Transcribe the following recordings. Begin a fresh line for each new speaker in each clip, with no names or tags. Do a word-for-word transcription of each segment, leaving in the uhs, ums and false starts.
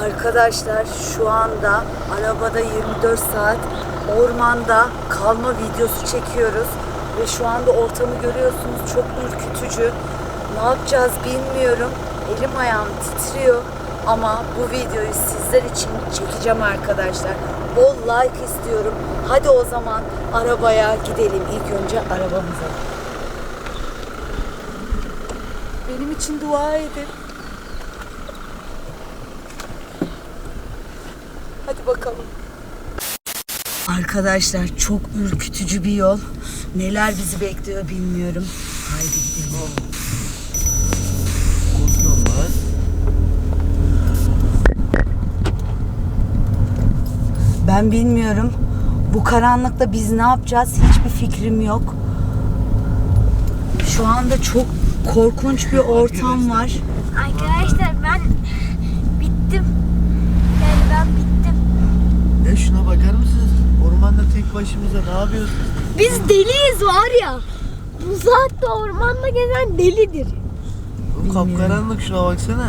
Arkadaşlar şu anda arabada yirmi dört saat ormanda kalma videosu çekiyoruz. Ve şu anda ortamı görüyorsunuz, çok ürkütücü. Ne yapacağız bilmiyorum. Elim ayağım titriyor. Ama bu videoyu sizler için çekeceğim arkadaşlar. Bol like istiyorum. Hadi o zaman arabaya gidelim. İlk önce arabamıza. Benim için dua edin. Hadi bakalım. Arkadaşlar çok ürkütücü bir yol. Neler bizi bekliyor bilmiyorum. Haydi gidelim. Ben bilmiyorum. Bu karanlıkta biz ne yapacağız? Hiçbir fikrim yok. Şu anda çok korkunç bir ortam var.
Arkadaşlar ben bittim. Yani ben bittim.
Ya şuna bakar mısınız? Ormanda tek başımıza ne yapıyoruz?
Biz deliyiz var ya. Bu saatte ormanda gezen delidir.
Bu kapkaranlık, şuna baksana.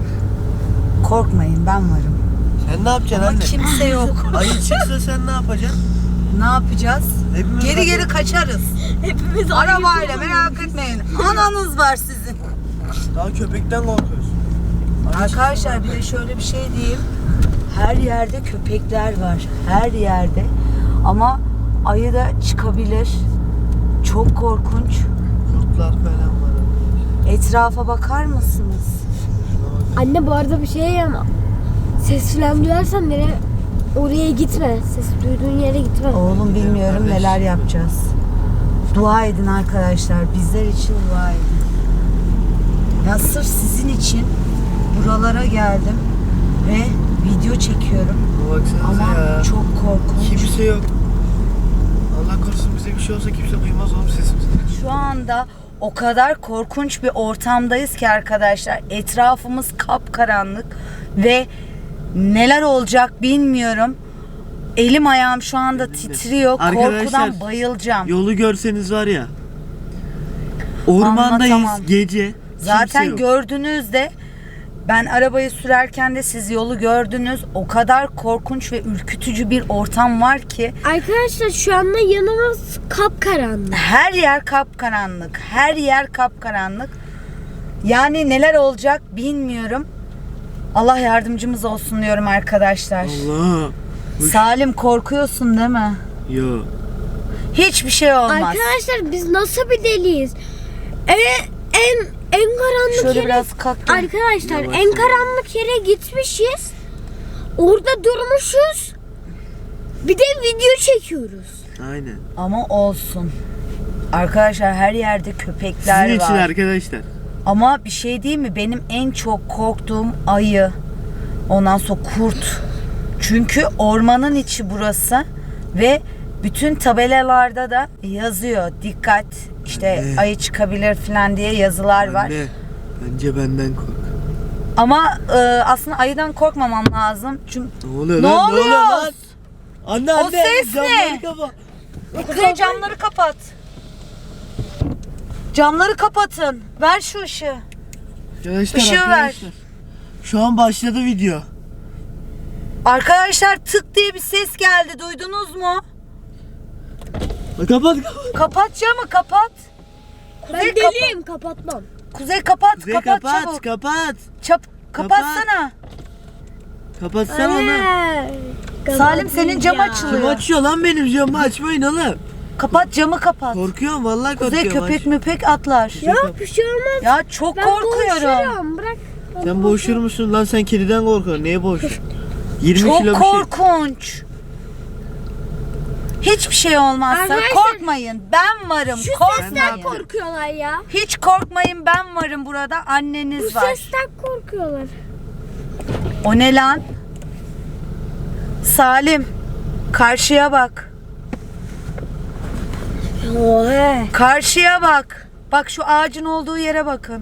Korkmayın, ben varım.
Sen ne yapacaksın
Ama
anne?
kimse yok.
Ayı çıksa sen ne yapacaksın?
Ne yapacağız?
Hepimiz
Geri
kaçarız.
geri kaçarız.
Hepimiz
Arabayla, merak etmeyin. Ananız var sizin.
Daha köpekten korkuyoruz.
Arkadaşlar bir de şöyle bir şey diyeyim. Her yerde köpekler var. Her yerde. Ama ayı da çıkabilir. Çok korkunç.
Kurtlar falan var.
Etrafa bakar mısınız?
Anne bu arada bir şey ama ses falan duyarsan nereye oraya gitme. Ses duyduğun yere gitme.
Oğlum bilmiyorum neler yapacağız. Dua edin arkadaşlar. Bizler için dua edin. Ya sırf sizin için buralara geldim ve video çekiyorum.
Baksanıza
Ama
ya.
çok korkunç.
Kimse yok. Allah korusun bize bir şey olsa kimse duymaz oğlum sesimizi.
Şu anda o kadar korkunç bir ortamdayız ki arkadaşlar. Etrafımız kapkaranlık ve neler olacak bilmiyorum. Elim ayağım şu anda titriyor.
Arkadaşlar,
Korkudan bayılacağım.
Yolu görseniz var ya. Ormandayız
Anlatamam.
gece.
Zaten
Kimse yok.
gördüğünüzde ben arabayı sürerken de siz yolu gördünüz. O kadar korkunç ve ürkütücü bir ortam var ki
Arkadaşlar şu anda yanımız kapkaranlık.
her yer kapkaranlık. Her yer kapkaranlık. Yani neler olacak bilmiyorum. Allah yardımcımız olsun diyorum arkadaşlar.
Allah.
Salim korkuyorsun değil mi?
Yo.
Hiçbir şey olmaz.
Arkadaşlar biz nasıl bir deliyiz? En en en karanlık
Şöyle
yere
biraz kalk.
Arkadaşlar
Yavaş
en
yavaş.
karanlık yere gitmişiz. Orada durmuşuz. Bir de video çekiyoruz.
Aynen.
Ama olsun. Arkadaşlar her yerde köpekler
Sizin için
var.
arkadaşlar.
Ama bir şey değil mi? Benim en çok korktuğum ayı. Ondan sonra kurt. Çünkü ormanın içi burası ve bütün tabelalarda da yazıyor. Dikkat, işte
Anne.
ayı çıkabilir falan diye yazılar var.
Anne, bence benden kork.
Ama e, aslında ayıdan korkmamam lazım. Çünkü
Ne oluyor
Ne
lan?
oluyor?
Ne oluyor lan? Anne
O
anne.
ses
camları
ne?
kapa.
Kuzey camları kapat. Camları kapatın. Ver şu ışığı.
Arkadaşlar,
Işığı ver.
arkadaşlar. Şu an başladı video.
Arkadaşlar tık diye bir ses geldi. Duydunuz mu?
Kapat kapat.
Kapat camı kapat.
Ben
Kuzey, kapa-
deliyim kapatmam.
Kuzey kapat.
Kuzey,
kapat,
kapat
çabuk.
kapat.
Çap kapatsana.
Kapatsana onu.
Anne,
Salim, senin cam
kapatınca.
açılıyor.
Kim açıyor lan benim camı, açmayın oğlum.
Kapat camı kapat.
Korkuyorum vallahi
Kuzey
korkuyorum.
köpek müpek atlar.
Yok bir şey olmaz.
Ya çok
Ben
korkuyorum.
boğuşurum, bırak.
Aç. Sen boğuşur musun lan, sen kediden korkuyorsun. Neye boğuşuyorsun? yirmi
Çok
kilo bir şey.
korkunç. Hiçbir şey olmazsa
Arkadaşlar,
korkmayın. Ben varım.
Şu
Korkmayın.
sesten korkuyorlar ya.
Hiç korkmayın, ben varım burada. Anneniz
Bu
var.
sesten korkuyorlar.
O ne lan? Salim, karşıya bak.
Ohe.
Karşıya bak. Bak şu ağacın olduğu yere bakın.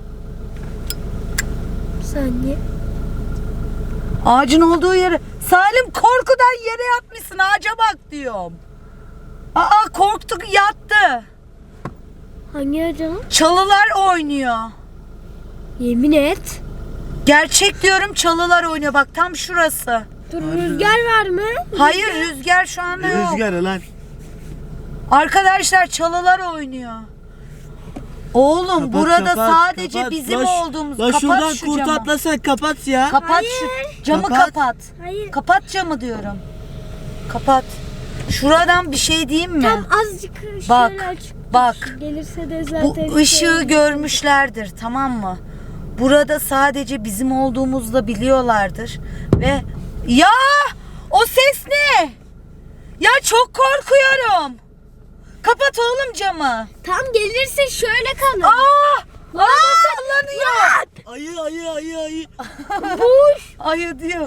Saniye.
Ağacın olduğu yere. Salim korkudan yere yatmışsın, ağaca bak diyorum. Aa korktuk, yattı.
Hangi acaba?
Çalılar oynuyor.
Yemin et.
Gerçek diyorum, çalılar oynuyor. Bak tam şurası.
Dur, rüzgar var mı?
Hayır, rüzgar şu anda yok.
Rüzgarı lan.
Arkadaşlar çalılar oynuyor. Oğlum
Kapat,
burada
kapat,
sadece
kapat.
bizim
Lan şu-
olduğumuz.
Lan
Kapat
şuradan
şu
kurt
camı.
atlasan kapat ya.
Kapat şu camı,
Kapat.
kapat.
Hayır.
Kapat camı diyorum. Kapat. Şuradan bir şey diyeyim mi?
Tam azıcık şöyle
Bak,
açık.
bak.
Gelirse de
Bu
zaten
ışığı
şey-
görmüşlerdir, tamam mı? Burada sadece bizim olduğumuzu da biliyorlardır. Ve ya o ses ne? Ya çok korkuyorum. Kapat oğlum camı.
Tam gelirse şöyle kalır.
Aa! Aa sallanıyor.
Ayı ayı ayı ayı.
Boş.
Ayı diyor.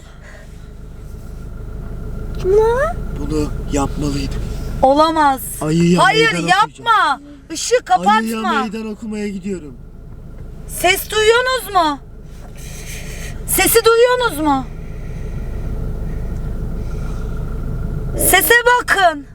Ne?
Bunu yapmalıydım.
Olamaz.
Ayıya
Hayır
meydan
yapma. Işığı
Ayıya
kapatma.
meydan okumaya gidiyorum.
Ses duyuyorsunuz mu? Sesi duyuyorsunuz mu? Sese bakın.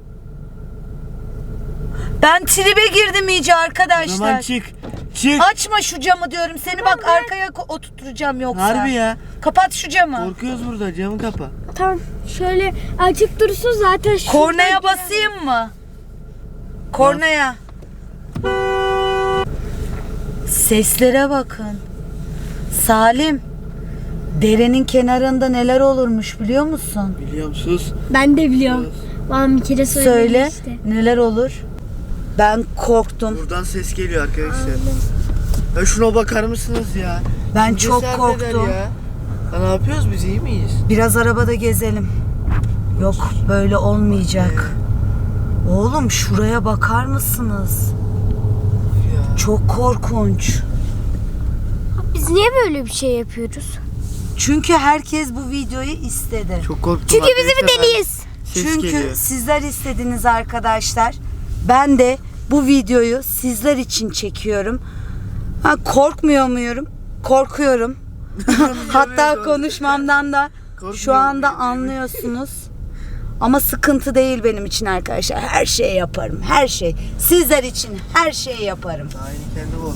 Ben tribe girdim iyice
O zaman
arkadaşlar.
çık. Çık.
Açma şu camı diyorum. Seni bak arkaya ko- oturtacağım yoksa.
Harbi ya.
Kapat şu camı.
Korkuyoruz burada, camı kapa.
Tam şöyle açık dursun zaten. şuradan
Kornaya
girer.
basayım mı? Kornaya. Seslere bakın. Salim. Derenin kenarında neler olurmuş biliyor musun?
Biliyor musunuz?
Ben de biliyorum. Bana bir kere söyledi
Söyle.
işte.
Neler olur? Ben korktum.
Buradan ses geliyor arkadaşlar. Ya şuna bakar mısınız ya?
Ben
Bizi
çok
cesaret
korktum.
eder Ya. Ya ne yapıyoruz biz, iyi miyiz?
Biraz arabada gezelim. Yok böyle olmayacak. Oğlum şuraya bakar mısınız?
Ya.
Çok korkunç.
Biz niye böyle bir şey yapıyoruz?
Çünkü herkes bu videoyu istedi.
Çok korktum.
Çünkü biz bir
arkadaşlar.
deliyiz.
Ses
Çünkü
geliyor.
sizler istediniz arkadaşlar. Ben de bu videoyu sizler için çekiyorum. Ha, korkmuyor muyum? Korkuyorum. Hatta konuşmamdan da şu
Korkmuyor
anda
muyum?
anlıyorsunuz. Ama sıkıntı değil benim için arkadaşlar. Her şeyi yaparım. Her şey. Sizler için her şeyi yaparım.
Aynı kendi olsun.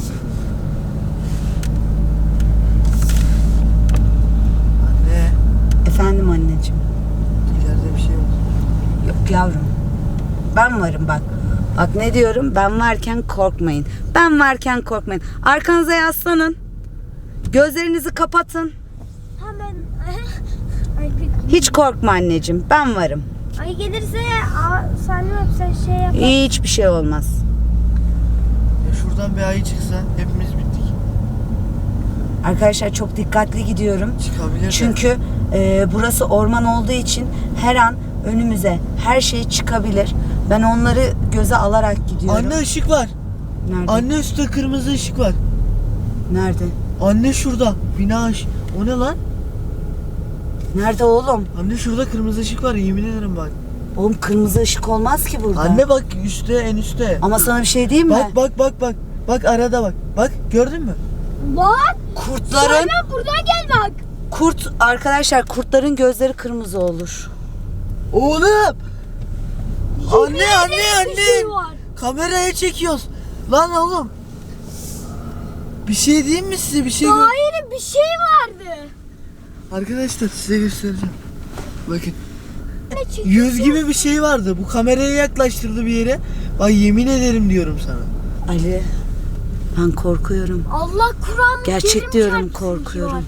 Anne,
Efendim anneciğim.
ileride bir şey var.
Yok yavrum. Ben varım bak. Bak ne diyorum? Ben varken korkmayın. Ben varken korkmayın. Arkanıza yaslanın. Gözlerinizi kapatın.
Hemen. Ay,
Hiç korkma anneciğim. Ben varım.
ay gelirse aa, Salim abi sen şey yap.
Hiçbir şey olmaz.
Ya şuradan bir ayı çıksa hepimiz bittik.
Arkadaşlar çok dikkatli gidiyorum.
Çıkabilir de.
Çünkü e, burası orman olduğu için her an önümüze her şey çıkabilir. Ben onları göze alarak gidiyorum.
Anne ışık var.
Nerede?
Anne üstte kırmızı ışık var.
Nerede?
Anne şurada. Bina ışık. O ne lan?
Nerede oğlum?
Anne şurada kırmızı ışık var, yemin ederim bak.
Oğlum kırmızı ışık olmaz ki burada.
Anne bak üstte, en üstte.
Ama sana bir şey diyeyim mi?
Bak bak bak bak. Bak arada bak. Bak gördün mü?
Bak.
Kurtların
Salim buradan gel bak.
kurt arkadaşlar kurtların gözleri kırmızı olur.
Oğlum. Anne anne
Bir şey
anne.
var.
Kameraya çekiyoruz. Lan oğlum. Bir şey diyeyim mi size, bir şey gör-
Hayır bir şey vardı.
Arkadaşlar size göstereceğim. Bakın.
Ne çıktı?
Yüz gibi bir şey vardı. Bu kameraya yaklaştırdı bir yere. Bak yemin ederim diyorum sana.
Ali ben korkuyorum.
Allah Kur'an.
Gerçek diyorum korkuyorum.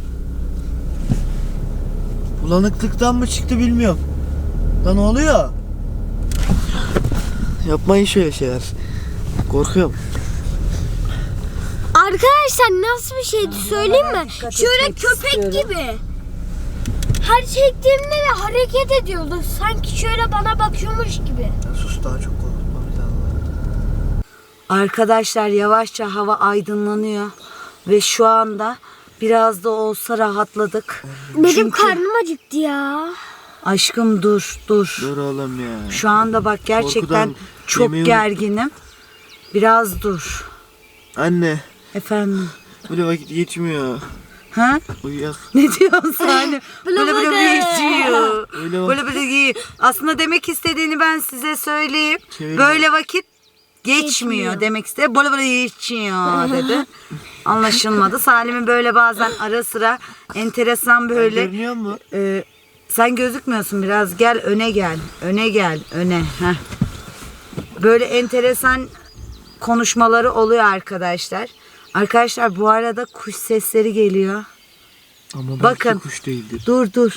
Bulanıklıktan mı çıktı bilmiyorum. Lan ne oluyor? Yapmayın şöyle şeyler. Korkuyorum.
Arkadaşlar nasıl bir şeydi söyleyeyim mi?
dikkat
Şöyle
etmek
köpek
istiyorum.
gibi. Her çektiğimde de hareket ediyordu. Sanki şöyle bana bakıyormuş gibi.
Ya sus, daha çok korkutma bir daha.
Arkadaşlar yavaşça hava aydınlanıyor ve şu anda biraz da olsa rahatladık.
Benim
Çünkü-
karnım acıktı ya.
Aşkım dur dur.
Dur oğlum ya.
Şu anda bak gerçekten
Korkudan
çok
yemeği
gerginim. Biraz dur.
Anne.
Efendim.
Böyle vakit geçmiyor.
Ha?
Uyuyak.
Ne diyorsun sen? Böyle böyle
böyle.
geçiyor.
Öyle bak.
Böyle böyle giy. Aslında demek istediğini ben size söyleyeyim.
Çevir
Böyle vakit Geçmiyor,
Geçmiyor.
demek istedi. Böyle böyle geçiyor dedi. Anlaşılmadı. Salim'in böyle bazen ara sıra enteresan böyle.
Görünüyor mu?
e, sen gözükmüyorsun, biraz gel öne gel. Öne gel öne. Heh. Böyle enteresan konuşmaları oluyor arkadaşlar. Arkadaşlar bu arada kuş sesleri geliyor.
Ama belki
Bakın.
kuş değildir.
Dur dur.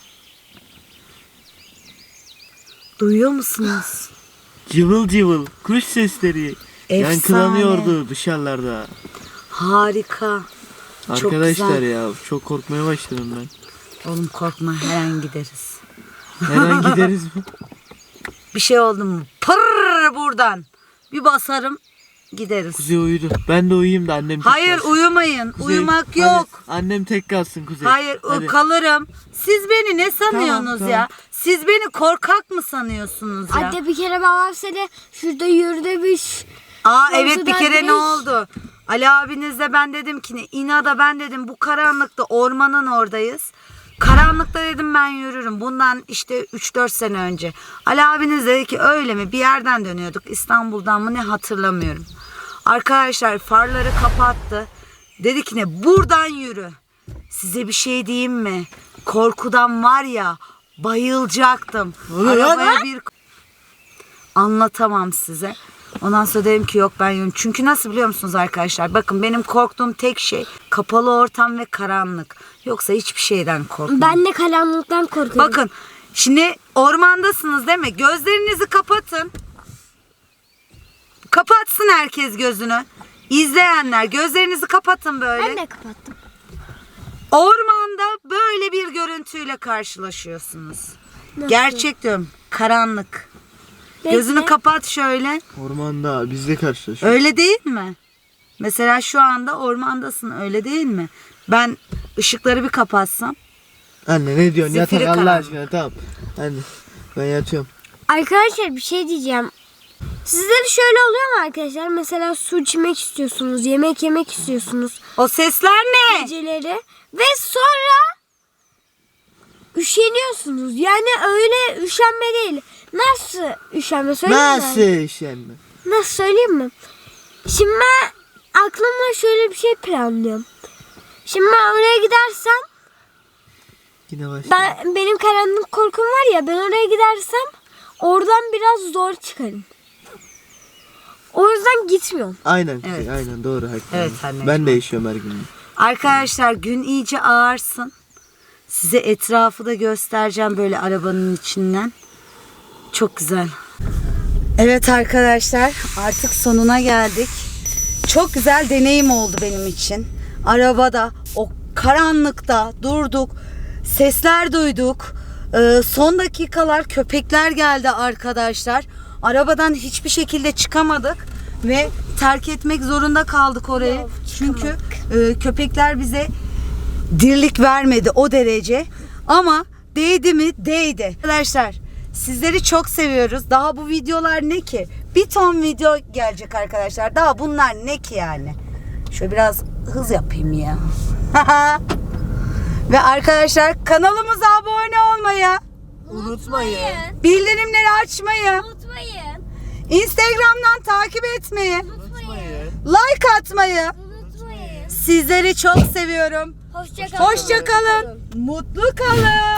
Duyuyor musunuz?
Cıvıl cıvıl kuş sesleri.
Efsane.
Yankılanıyordu dışarılarda.
Harika. Çok
Arkadaşlar
güzel.
ya çok korkmaya başladım ben.
Oğlum korkma, her an gideriz.
Her an gideriz mi?
Bir şey oldu mu? Pırr buradan. Bir basarım gideriz.
Kuzey uyudu. Ben de uyuyayım da annem tek
Hayır
kalsın.
uyumayın.
Kuzey,
Uyumak
hadi.
yok.
Annem tek kalsın Kuzey.
Hayır
Hadi.
kalırım. Siz beni ne sanıyorsunuz
Tamam,
ya? Siz beni korkak mı sanıyorsunuz ya?
Anne bir kere babam seni şurada yürü demiş.
Aa
Yolda
evet bir
ben
kere
demiş.
ne oldu? Ali abinizle ben dedim ki ne? İnada ben dedim bu karanlıkta ormanın oradayız. Karanlıkta dedim ben yürürüm. Bundan işte üç dört sene önce. Ali abiniz dedi ki öyle mi? Bir yerden dönüyorduk. İstanbul'dan mı ne hatırlamıyorum. Arkadaşlar farları kapattı. Dedi ki ne? Buradan yürü. Size bir şey diyeyim mi? Korkudan var ya bayılacaktım.
Oluyor lan
Arabaya
lan.
bir anlatamam size. Ondan sonra dedim ki yok ben yürüyorum. Çünkü nasıl biliyor musunuz arkadaşlar? Bakın benim korktuğum tek şey kapalı ortam ve karanlık. Yoksa hiçbir şeyden korkmam.
Ben de karanlıktan korkuyorum.
Bakın şimdi ormandasınız değil mi? Gözlerinizi kapatın. Kapatsın herkes gözünü. İzleyenler gözlerinizi kapatın böyle.
Ben de kapattım.
Ormanda böyle bir görüntüyle karşılaşıyorsunuz.
Nasıl?
Gerçek diyorum. Karanlık.
Bekle.
Gözünü kapat şöyle.
Ormanda bizle karşılaşıyoruz.
Öyle değil mi? Mesela şu anda ormandasın, öyle değil mi? Ben ışıkları bir kapatsam.
Anne ne diyorsun? Yatak
Zifiri
Allah
karanlık.
aşkına tamam. Anne ben yatıyorum.
Arkadaşlar bir şey diyeceğim. Sizde de şöyle oluyor mu arkadaşlar? Mesela su içmek istiyorsunuz, yemek yemek istiyorsunuz
O sesler ne?
geceleri ve sonra üşeniyorsunuz. Yani öyle üşenme değil. Nasıl üşenme söyleyeyim mi?
Nasıl işenme?
Nasıl söyleyeyim mi? Şimdi ben aklımda şöyle bir şey planlıyorum. Şimdi ben oraya gidersem,
Yine başladı.
ben benim karanlık korkum var ya, ben oraya gidersem oradan biraz zor çıkarım. O yüzden gitmiyorum.
Aynen Kuzey
Evet.
aynen doğru haklı.
Evet, anneciğim.
Ben de yaşıyorum her gün.
Arkadaşlar gün iyice ağarsın. Size etrafı da göstereceğim böyle arabanın içinden. Çok güzel. Evet arkadaşlar artık sonuna geldik. Çok güzel deneyim oldu benim için. Arabada o karanlıkta durduk. Sesler duyduk. Ee, son dakikalar köpekler geldi arkadaşlar. Arabadan hiçbir şekilde çıkamadık. Ve terk etmek zorunda kaldık orayı.
Yok,
Çünkü e, köpekler bize dirlik vermedi o derece. Ama değdi mi? Değdi. Arkadaşlar sizleri çok seviyoruz. Daha bu videolar ne ki? Bir ton video gelecek arkadaşlar. Daha bunlar ne ki yani? Şöyle biraz hız yapayım ya. Ve arkadaşlar kanalımıza abone olmayı,
Unutmayın.
bildirimleri açmayı,
Unutmayın.
Instagram'dan takip etmeyi,
Unutmayın.
like atmayı.
Unutmayın.
Sizleri çok seviyorum.
Hoşça kalın.
Hoşça kalın. Mutlu kalın.